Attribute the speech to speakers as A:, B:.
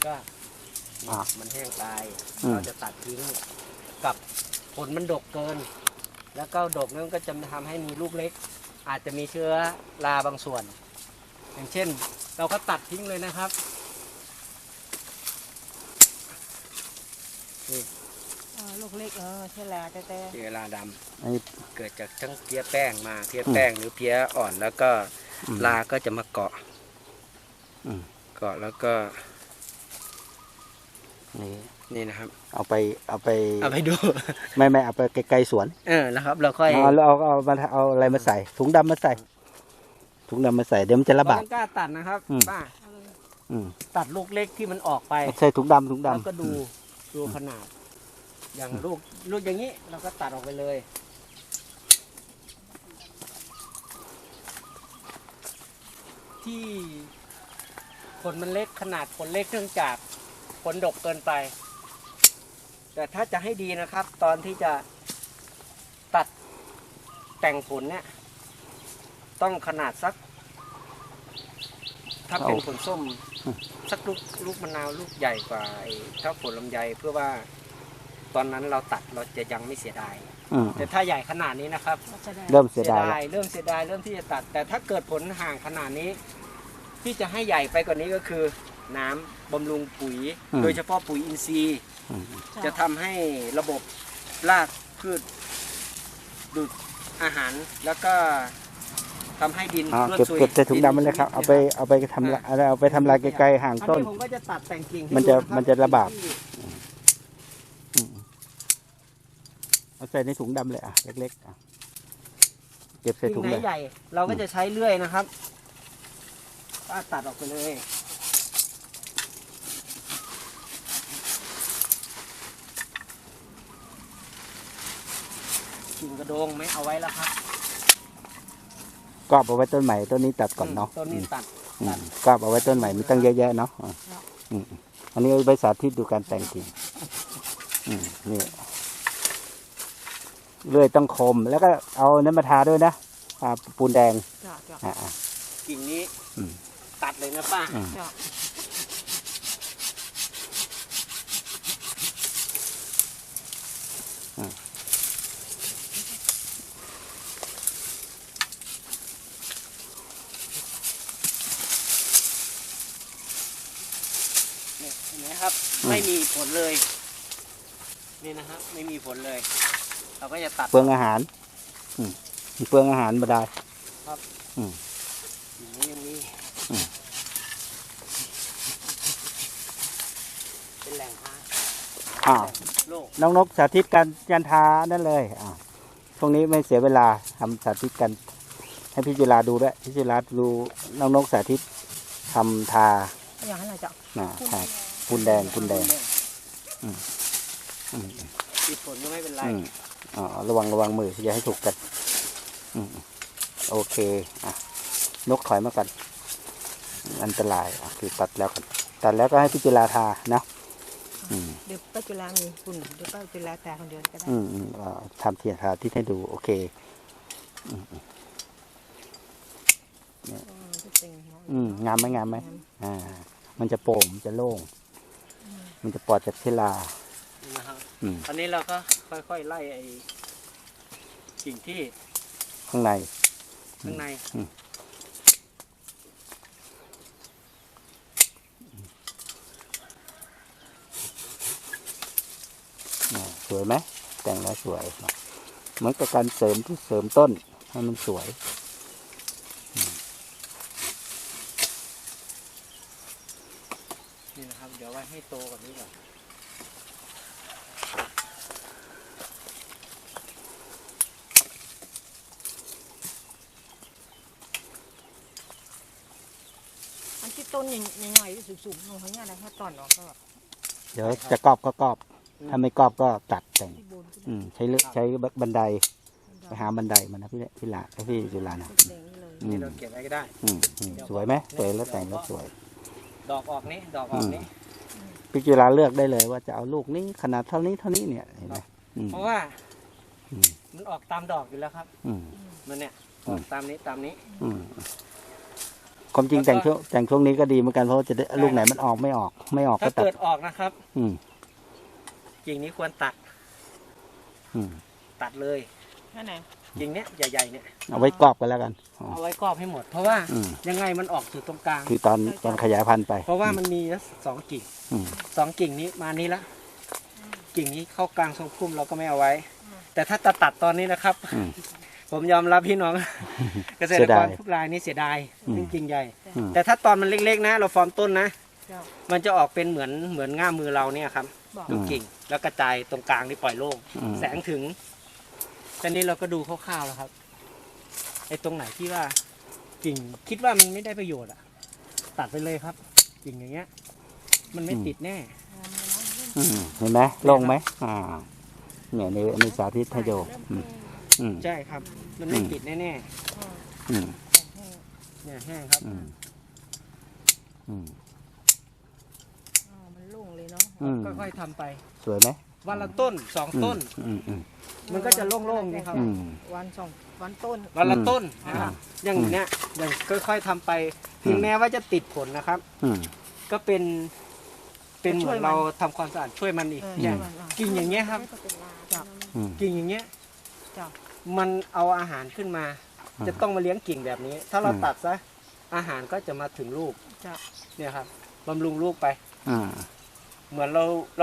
A: ก็มันแห้งตายเราจะตัดทิ้งกับผลมันดกเกินแล้วก็ดกนั้นก็จะทำให้มีลูกเล็กอาจจะมีเชื้อราบางส่วนอย่างเช่นเราก็ตัดทิ้งเลยนะครับนี่
B: ลูกเล็กเชื้อราแต่
A: เชื้อราดำเกิดจากทั้งเพี้ยแป้งมาเพี้ยแป้งหรือเพี้ยอ่อนแล้วก็ราก็จะมาเกาะแล้วก็นี่นะครับ
C: เอาไป
A: ดู
C: ไม่เอาไปไกลๆสวน
A: แล้วครับเราค่อย
C: เอาอะไรมาใส่ถุงดำมาใส่เดี๋ยวมันจะระบาด
A: กล้าตัดนะครับป้าตัดลูกเล็กที่มันออกไป
C: ใส่ถุงดำ
A: แล้วก็ดูขนาดอย่างลูกอย่างนี้เราก็ตัดออกไปเลยที่ผลมันเล็กขนาดผลเล็กเนื่องจากผลดกเกินไปแต่ถ้าจะให้ดีนะครับตอนที่จะตัดแต่งผลเนี่ยต้องขนาดสักถ้าเป็นผลส้มสักลูกมะนาวลูกใหญ่กว่าถ้าผลลำไยเพื่อว่าตอนนั้นเราตัดเราจะยังไม่เสียดายแต่ถ้าใหญ่ขนาดนี้นะครับ
C: เริ่มเสียดาย
A: เริ่มที่จะตัดแต่ถ้าเกิดผลห่างขนาดนี้ที่จะให้ใหญ่ไปกว่านี้ก็คือน้ำบำรุงปุ๋ยโดยเฉพาะปุ๋ยอินทรีย์จะทำให้ระบบรากพืชดูดอาหารแล้วก็ทำให้ดิน
C: เก็บใส่ถุงดำมันเลยครับเอาไปทำลายไกลๆห่างต้น
A: ผมก็จะตัดแต่งกิ่ง
C: มันจะระบาดเอาใส่ในถุงดำเลยเล็กๆเก็บใส่ถุง
A: ใหญ่เราก็จะใช้เลื่อยนะครับตัดออกไปเลยกิ่งกระโดงไม่เอาไว้แล้วครับ
C: ก็เอาไว้ต้นใหม่ต้นนี้ตัดก่อนเนาะ
A: ต้นนี้ตัด
C: ก็เอาไว้ต้นใหม่มีตั้งเยอะแยะเนาะอันนี้ไปสาธิตดูการแต่งกิ่งนี่เลื่อยต้องคมแล้วก็เอาน้ำมาทาด้วยนะปูนแดง
A: กิ่งนี้ตัดเลยนะป้าเห็นไหมครับไม่มีผลเลยนี่นะครับไม่มีผลเลยเราก็จะตัด
C: เปลืองอาหารเปลืองอาหารมาได้
A: ครับอย่างนี้เป็นแหล่ง
C: น้องนกสาธิตการทานั่นเลยตรงนี้ไม่เสียเวลาทำสาธิตกันให้พี่จุฬาดูด้วยพี่จุฬาดูน้องนกสาธิตทำทา
B: อย่างนั้นจะ
C: ปูนแดง
A: ติดผลก็ไม่เป็นไร
C: ระวังมืออย่าให้ถูกกันโอเคนกถอยมากันอันตรายคือตัดแล้วก็ให้พี่จุฬาทานะ
B: เดี๋ยวป้าจุฬามีคุณเดี๋ยวป้าจุฬาทาคนเดียวก็ได้
C: ทำเทียนทาที่ให้ดูโอเคงามไหมมันจะโปร่งมันจะโล่งมันจะปลอดจากเชื้อรา
A: ตอนนี้เราก็ค่อยๆไล่สิ่งที่
C: ข้างในสวยไหมแต่งแล้วสวยเหมือนกับการเสริมต้นให้มันสวย
A: นี่นะครับเดี๋ยวไว้ให้โตกว่านี้ก่อน
B: อันที่ต้นใหญ่ๆสูงๆลงข้างหน้าได้ถ้าตอนออกก็
C: เดี๋ยวจะกรอบก็กรอบถ้าไม่กรอบก็ตัดแต่งใช้บันไดไปหาบันไดมานะพี่หลาพี่จุฬานะ
A: นี่เราเก็บไว้ก็ได้
C: สวยไหมสวยแล้วแต่งแล้วสวย
A: ดอกออกนี้
C: พี่จุฬาเลือกได้เลยว่าจะเอาลูกนี้ขนาดเท่านี้เนี่ยเห็นไหม
A: เพราะว่ามันออกตามดอกอยู่แล้วครับมันเนี่ยออกตามนี้
C: ความจริงแต่งช่วงนี้ก็ดีเหมือนกันเพราะว่าจะได้ลูกไหนมันออกไม่ออกก็
A: ถ้า
C: ตัด
A: เกิดออกนะครับ
C: อืม
A: กิ่งนี้ควรตัด
C: อืม
A: ตัดเลย
B: นั่นไหน
A: กิ่งเนี้ยใหญ่ๆเนี่ย
C: เอาไว้กรอบกันแล้วกันอ๋อ
A: เอาไว้กรอบให้หมด เพราะว่า
C: อืม
A: ยังไงมันออกสู่ตรงกลาง
C: คือตอนขยายพันธุ์ไป
A: เพราะว่ามันมีสองกิ่ง
C: อืม
A: สองกิ่งนี้มานี้ละกิ่งนี้เข้ากลางทรงพุ่มเราก็ไม่เอาไว้ แต่ถ้าตัดตอนนี้นะครับ
C: อืม
A: ผมยอมรับพี่น้อง เกษตรกรทุกรายนี่เสียดาย
C: อืม
A: จริงๆใหญ่
C: อืม
A: แต่ถ้าตอนมันเล็กๆนะ เราฟอร์มต้นนะ
B: เจ้า
A: มันจะออกเป็นเหมือนง่ามมือเราเนี่ยครับ
B: บอก
A: ดูกิ่งแล้วกระจายตรงกลางนี่ปล่อยโล่ง
C: อืม
A: แสงถึงตอนนี้เราก็ดูคร่าวๆแล้วครับไอ้ตรงไหนที่ว่ากิ่งคิดว่ามันไม่ได้ประโยชน์อะตัดไปเลยครับ กิ่งอย่างเงี้ย มันไม่ติดแน่
C: อืมเห็นไหมโล่งไหมเนี่ยในสาธิตให้ดูอืม
A: ใช่ครับ มันไม่ติดแน่
C: อืม
A: ๆเนี่ยแห้งครับ
C: อืมอืม
B: มันลุ่งเลยเนาะ
C: อืม
A: ค่อยๆทำไป
C: สวยไหม
A: วันละต้นสองต้น
C: อืม
A: มันก็จะโล่งๆนะครับ
C: อืม
B: วันสองวันต้น
A: วันละต้น
B: อืม
A: นะครับอย่างเนี้ยอย่างค่อยๆทำไปถึงแม้ว่าจะติดผลนะครับ
C: อืม
A: ก็เป็นเหมือนเราทำความสะอาดช่วยมันอีก
B: เออ
A: อย่าง
B: ช่วยมัน
A: กิ่งอย่างเงี้ยครับ
C: อืม
A: กิ่งอย่างเงี้ย
B: จ้ะ
A: มันเอาอาหารขึ้นมา
C: อืม
A: จะต้องมาเลี้ยงกิ่งแบบนี้ ถ้าเรา
C: อืม
A: ตัดซะอาหารก็จะมาถึงลูก
B: จ้ะ
A: เนี่ยครับบำรุงลูกไป
C: อ่า
A: เหมือนเรา